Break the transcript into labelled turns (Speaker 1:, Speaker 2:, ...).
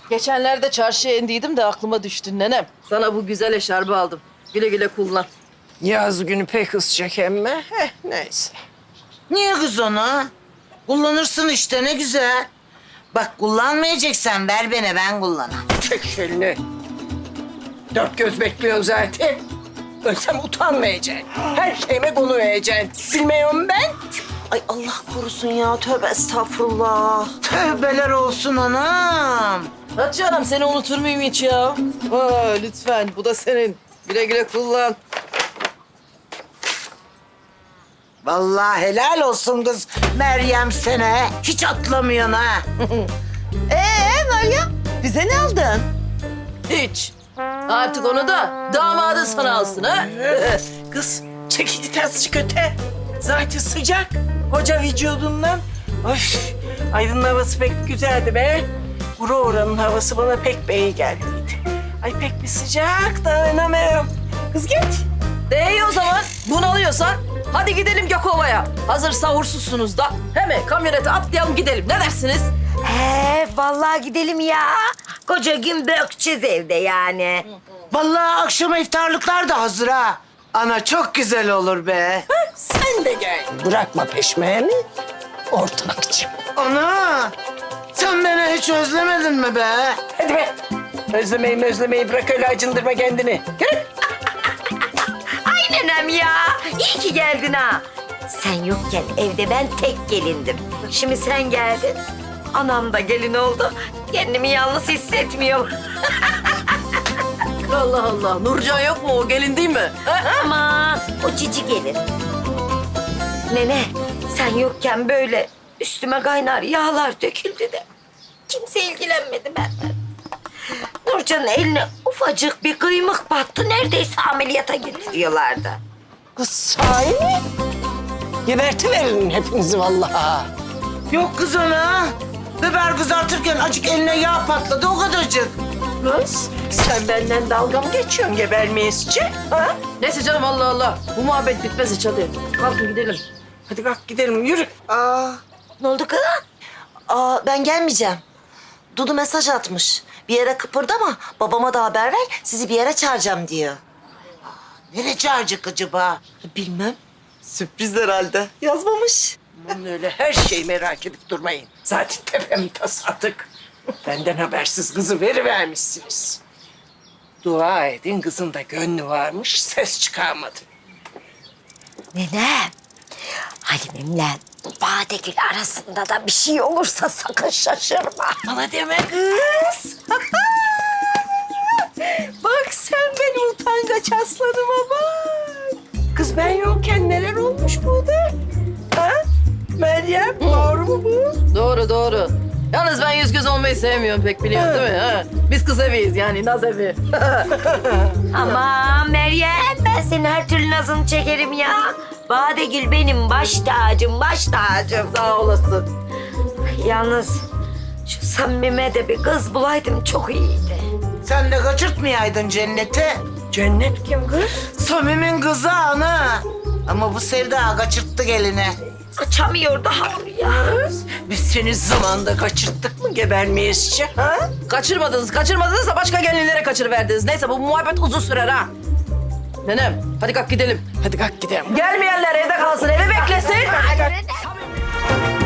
Speaker 1: Geçenlerde çarşıya indiydim de aklıma düştün nenem. Sana bu güzel eşarbı aldım. Güle güle kullan.
Speaker 2: Yaz günü pek ısıcak emme. Neyse.
Speaker 3: Niye kız onu? Kullanırsın işte ne güzel. Bak kullanmayacaksan ver bana ben kullanayım.
Speaker 2: Çek elini. Dört göz bekliyor zaten. Ölsem utanmayacaksın. Her şeyime konu vereceksin. Bilmiyorum ben.
Speaker 4: Ay Allah korusun ya. Tövbe estağfurullah.
Speaker 3: Tövbeler olsun anam.
Speaker 1: Hatice Hanım seni unutur muyum hiç ya? Aa, lütfen bu da senin. Güle güle kullan.
Speaker 3: Vallahi helal olsun kız Meryem sana. Hiç atlamıyorsun ha.
Speaker 4: Meryem bize ne aldın?
Speaker 1: Hiç. Artık onu da damadın sana alsın ha.
Speaker 2: Kız çek git azıcık öte. Zaten sıcak. Koca vücudundan. Of. Aydın'ın havası pek güzeldi be. Oranın havası bana pek iyi geldiydi. Ay pek bir sıcak dayanamıyorum. Kız git.
Speaker 1: İyi o zaman bunalıyorsan hadi gidelim Gökova'ya. Hazır sahursuzsunuz da hemen kamyonete atlayalım gidelim. Ne dersiniz?
Speaker 4: Vallahi gidelim ya. Koca gün bökeceğiz evde yani.
Speaker 3: Vallahi akşama iftarlıklar da hazır ha. Ana çok güzel olur be.
Speaker 2: Sen de gel. Bırakma peşmeni. Ortakçım.
Speaker 3: Ana sen beni hiç özlemedin mi be?
Speaker 2: Hadi be. Özlemeyi bırak öyle acındırma kendini. Gel.
Speaker 4: Ay nenem ya. İyi ki geldin ha. Sen yokken evde ben tek gelindim. Şimdi sen geldin. Anam da gelin oldu. Kendimi yalnız hissetmiyorum.
Speaker 1: Allah Allah. Nurcan yok mu? O gelin değil mi?
Speaker 4: Aman o cici gelin. Nene sen yokken böyle üstüme kaynar yağlar döküldü de kimse ilgilenmedi benden. Nurcan'ın eline ufacık bir kıymık battı. Neredeyse ameliyata getiriyorlardı.
Speaker 2: Kız sahi mi? Gebertiverin hepinizi vallahi.
Speaker 3: Yok kız ana. Biber kızartırken acık eline yağ patladı o kadarcık.
Speaker 2: Kız sen benden dalga mı geçiyorsun gebermeyesici? Ha?
Speaker 1: Neyse canım Allah Allah. Bu muhabbet bitmez hiç hadi. Kalkın gidelim.
Speaker 2: Hadi kalk gidelim yürü.
Speaker 4: Ne oldu kız? Ben gelmeyeceğim. Dudu mesaj atmış. Bir yere kıpırdama, babama da haber ver. Sizi bir yere çağıracağım diyor.
Speaker 3: Nereye çağıracak acaba?
Speaker 4: Bilmem. Sürpriz herhalde. Yazmamış.
Speaker 2: Aman öyle her şeyi merak edip durmayın. Zaten tepem tas atık. Benden habersiz kızı verivermişsiniz. Dua edin kızın da gönlü varmış, ses çıkarmadı.
Speaker 4: Nenem, Halim'imle Badegül arasında da bir şey olursa sakın şaşırma.
Speaker 2: Bana deme kız. Bak sen benim utangaç aslanıma bak. Kız ben yokken neler olmuş burada? Ha? Meryem doğru mu bu?
Speaker 1: Doğru doğru. Yalnız ben yüz göz olmayı sevmiyorum pek biliyorsun değil mi? Ha? Biz kız eviyiz yani naz evi.
Speaker 4: Aman Meryem, ben senin her türlü nazını çekerim ya. Badegül benim baş tacım, baş tacım.
Speaker 1: Sağ olasın.
Speaker 4: Yalnız şu Samim'e de bir kız bulaydım çok iyiydi.
Speaker 3: Sen de kaçırtmayaydın cenneti.
Speaker 2: Cennet kim kız?
Speaker 3: Samim'in kızı ana. Ama bu Sevda kaçırttı gelini.
Speaker 4: Kaçamıyor daha ya.
Speaker 2: Biz seni zamanda kaçırttık mı gebermeyesici ha?
Speaker 1: Kaçırmadınız da başka gelinlere kaçırıverdiniz. Neyse bu muhabbet uzun sürer ha. Nenem hadi kalk gidelim.
Speaker 2: Hadi kalk gidelim.
Speaker 1: Gelmeyenler evde kalsın, evi beklesin.